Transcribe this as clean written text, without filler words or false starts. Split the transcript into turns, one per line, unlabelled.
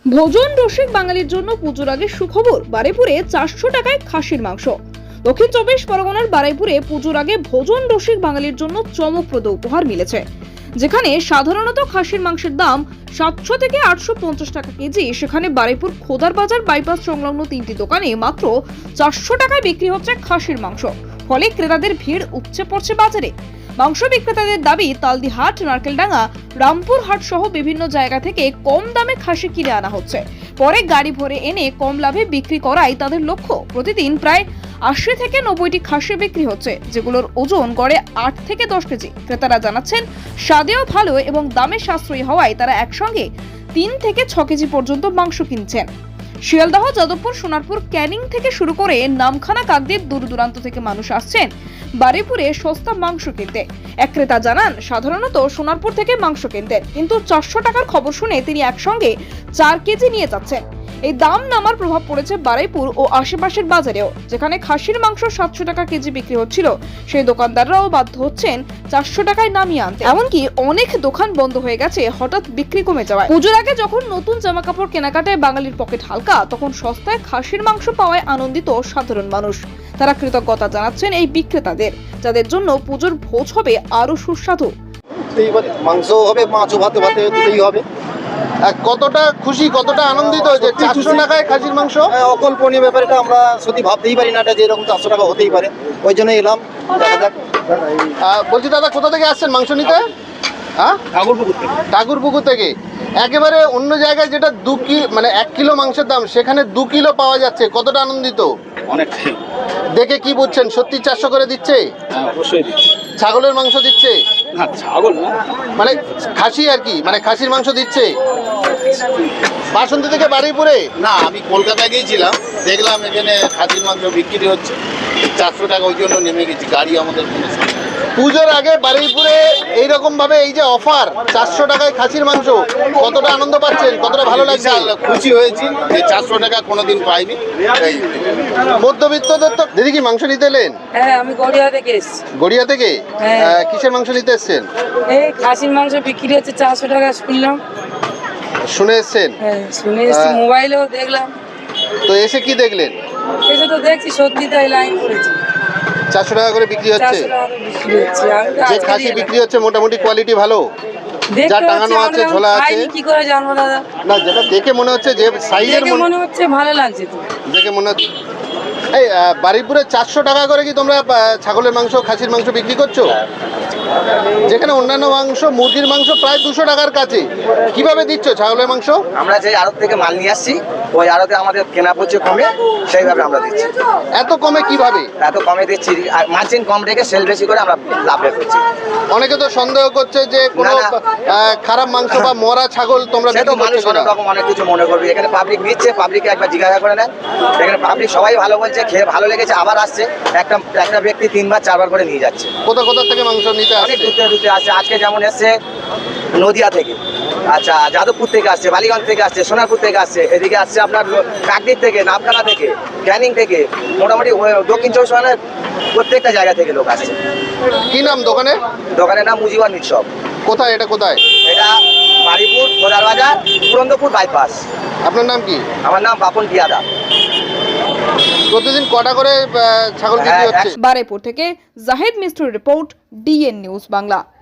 ভোজন রসিক বাঙালির জন্য পুজোর আগে সুখবর, বারুইপুরে 400 টাকায় খাসির মাংস। দক্ষিণ 24 পরগনার বারুইপুরে পুজোর আগে ভোজন রসিক বাঙালির জন্য চমকপ্রদ উপহার মিলেছে। যেখানে সাধারণত খাসির মাংসের দাম 700 থেকে 850 টাকা কেজি, সেখানে বারুইপুর খোদার বাজার বাইপাস সংলগ্ন 3টি দোকানে মাত্র 400 টাকায় বিক্রি হচ্ছে খাসির মাংস। ফলে ক্রেতাদের ভিড় উপচে পড়ছে বাজারে। মাংস বিক্রেতাদের দাবি, তালদিহাট, নারকেলডাঙ্গা, রামপুর হাট সহ বিভিন্ন জায়গা থেকে কম দামে খাসি কিনে আনা হচ্ছে, পরে গাড়ি ভরে এনে কম লাভে বিক্রি করাই তাদের লক্ষ্য। প্রতিদিন প্রায় 80 থেকে 90টি খাসি বিক্রি হচ্ছে, যেগুলোর ওজন গড়ে 8 থেকে 10 কেজি। ক্রেতারা জানাচ্ছেন, স্বাদেও ভালো এবং দামে সাশ্রয়ী হওয়ায় তারা একসঙ্গে 3 থেকে 6 কেজি পর্যন্ত মাংস কিনছেন। শিয়ালদহ, যাদবপুর, সোনারপুর, ক্যানিং থেকে শুরু করে নামখানা, কাকদ্বীপ দূর দূরান্ত থেকে মানুষ আসছেন বারুইপুরে সস্তা মাংস কিনতে। এক ক্রেতা জানান, সাধারণত সোনারপুর থেকে মাংস কিনতেন, কিন্তু 400 টাকার খবর শুনে তিনি একসঙ্গে 4 কেজি নিয়ে যাচ্ছেন। এই দাম নামার প্রভাব পড়েছে বারুইপুর ও আশেপাশের বাজারেও। যেখানে খাসির মাংস 700 টাকা কেজি বিক্রি হচ্ছিল, সেই দোকানদাররাও বাধ্য হচ্ছেন 400 টাকায় নামিয়ে আনতে। এমনকি অনেক দোকান বন্ধ হয়ে গেছে হঠাৎ বিক্রি কমে যাওয়ায়। পুজোর আগে যখন নতুন জামা কাপড় কেনাকাটায় বাঙালির পকেট হালকা, তখন সস্তায় খাসির মাংস পাওয়ায় আনন্দিত সাধারণ মানুষ। তারা কৃতজ্ঞতা জানাচ্ছেন এই বিক্রেতাদের, যাদের জন্য পুজোর ভোজ হবে আরো সুস্বাদু।
মাংস হবে, মাছও ভাতে ভাতে দিতেই হবে।
কতটা খুশি, কতটা আনন্দিত যে 400 টাকায় খাসির মাংস?
অকল্পনীয় ব্যাপার, এটা আমরা সত্যি ভাবতেই পারি না, এটা যে এরকম 400 টাকা হতেই পারে। ওই জন্য এলাম, দেখা যাক।
বলছি দাদা, কোথা থেকে আসছেন মাংস নিতে? হ্যাঁ, ঠাকুরপুকুর থেকে। একেবারে অন্য জায়গায় যেটা 1 কিলো মাংসের দাম, সেখানে 2 কিলো পাওয়া যাচ্ছে। কতটা আনন্দিত?
অনেকটাই।
দেখে কি বুঝছেন, সত্যি 400 করে দিচ্ছে?
অবশ্যই দিচ্ছে।
ছাগলের মাংস দিচ্ছে?
না, ছাগল না,
মানে খাসি আর কি, মানে খাসির মাংস দিচ্ছে। বাসন্তী থেকে বারুইপুরে?
না, আমি কলকাতায় গিয়েছিলাম, দেখলাম এখানে খাসির মাংস বিক্রি হচ্ছে 400 টাকা, ওই জন্য নেমে গেছি। গাড়ি আমাদের কোনো সমস্যা নেই।
পুজোর আগে বারুইপুরে এইরকম ভাবে এই যে অফার 400 টাকায় খাসির মাংস, কতটা আনন্দ পাচ্ছেন, কতটা ভালো লাগছে?
খুশি হয়েছি যে 400 টাকা কোনোদিন পাইনি।
মধ্যবিত্তদের তো। দিদি কি মাংস নিতে এলেন?
হ্যাঁ, আমি গড়িয়া থেকে এসেছি।
গড়িয়া থেকে?
হ্যাঁ।
কিসের মাংস নিতে এসছেন?
এই খাসির মাংস বিক্রি হচ্ছে 400 টাকা শুনলাম।
শুনে এসছেন?
হ্যাঁ, শুনে এসেছি, মোবাইলেও দেখলাম।
তো এসে কি দেখলেন?
এসে তো দেখছি সত্যি তাই লাইন পড়েছে।
400 টাকা করে বিক্রি হচ্ছে।
400 টাকা করে বিক্রি হচ্ছে। আমি তো
যে
আজকে
খাসি
এলাম।
বিক্রি হচ্ছে মোটামুটি কোয়ালিটি ভালো?
দেখতে
যা
হচ্ছে,
টাঙানো আছে,
আমরা
ঝোলা আছে?
খাইনি, কি করে জানবো দাদা?
না, যেটা দেখে মনে হচ্ছে, যে সাইজের
দেখে মনে হচ্ছে ভালো লাগছে তো।
দেখে মনে হচ্ছে। এই বারুইপুরে 400 টাকা করে কি তোমরা ছাগলের মাংস, খাসির মাংস বিক্রি করছো? যেখানে অন্যান্য মাংস, মুরগির মাংস প্রায় 200 টাকার কাছে, কিভাবে দিচ্ছ ছাগলের মাংস?
আমরা যে আড়ত থেকে মাল নিয়ে আসছি, ওই আড়তে আমাদের কেনা পড়ছে কমে, সেইভাবে আমরা দিচ্ছি।
এত কমে কিভাবে?
এত কমে দিচ্ছি, আর মার্জিন কম রেখে সেল বেশি করে আমরা লাভ রেট করছি।
অনেকে তো সন্দেহ করছে যে কোনো
না,
খারাপ মাংস বা মরা ছাগল তোমরা
সে তো
বিক্রি
মানুষ
করছো
অনেক
না।
রকম অনেক কিছু মনে করবে। এখানে পাবলিক নিচ্ছে, পাবলিককে একবার জিজ্ঞাসা করে নেন। এখানে পাবলিক সবাই ভালো বলছে, খেয়ে ভালো লেগেছে, আবার আসছে। একটা ব্যক্তি 3বার 4বার করে নিয়ে যাচ্ছে।
কোথা কোথা থেকে মাংস নিতে
অনেক
আসছে?
দূরে দূরে আসছে। আজকে যেমন এসছে নদিয়া থেকে, আচ্ছা যাদবপুর থেকে আসছে, বালিগঞ্জ থেকে আসছে, সোনারপুর থেকে আসছে, এদিকে আসছে আপনার কাকদ্বীপ থেকে, নামখানা থেকে, ক্যানিং থেকে, মোটামুটি দক্ষিণ 24 পরগনার প্রত্যেকটা জায়গা থেকে লোক আসছে।
কি নাম দোকানে?
দোকানের নাম মুজিবার নিঃসব।
কোথায় এটা, কোথায়?
এটা বারুইপুর খোদার বাজার, পুরন্দপুর বাইপাস।
আপনার নাম কি?
আমার নাম বাপন পিয়াদা।
প্রতিদিন কটা করে ছাগল বিক্রি হচ্ছে?
বারুইপুর থেকে জাহিদ মিস্ত্রির রিপোর্ট, ডিএন নিউজ বাংলা।